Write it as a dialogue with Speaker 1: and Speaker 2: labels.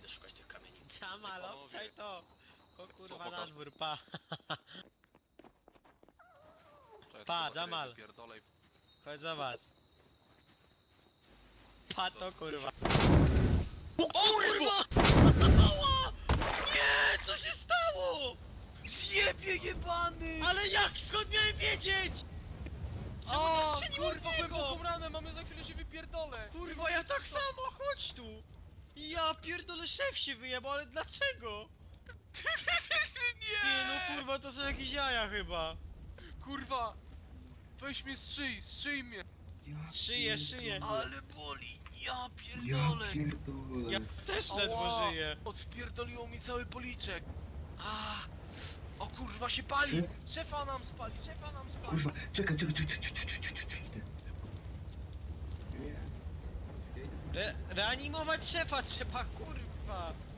Speaker 1: idę szukać tych kamieni.
Speaker 2: Jamal,
Speaker 3: Panowie.
Speaker 2: obczaj to! O kurwa, na
Speaker 3: pokaż?
Speaker 2: dwór, pa!
Speaker 3: To ja
Speaker 2: Pa,
Speaker 3: tylko baterię
Speaker 2: Jamal.
Speaker 3: wypierdolę i-
Speaker 2: Chodź zobacz. Pa to kurwa.
Speaker 3: O kurwa!
Speaker 2: Ała! Nie, co się stało?
Speaker 3: Zjebie jebany!
Speaker 2: Ale jak, skąd miałem wiedzieć? Czemu
Speaker 3: O,
Speaker 2: to strzeliło
Speaker 3: kurwa,
Speaker 2: w niego?
Speaker 3: głęboką ranę, mamy za chwilę się wypierdolę!
Speaker 2: Kurwa, ja tak samo, chodź tu! Ja pierdolę, szef się wyjebał, ale dlaczego? Nie no kurwa, to są jakieś jaja chyba.
Speaker 3: Kurwa! Weź mnie strzyj mnie!
Speaker 2: Szyję.
Speaker 3: Ale boli! Ja
Speaker 4: Ja
Speaker 3: pierdolę!
Speaker 4: pierdolę.
Speaker 2: Ja też ledwo
Speaker 3: Ała!
Speaker 2: żyję.
Speaker 3: Odpierdoliło mi cały policzek! A! O kurwa się pali!
Speaker 4: Szef?
Speaker 3: Szefa nam spali!
Speaker 4: Kurwa, czekaj. Idę. Nie.
Speaker 2: Reanimować szefa trzeba, kurwa.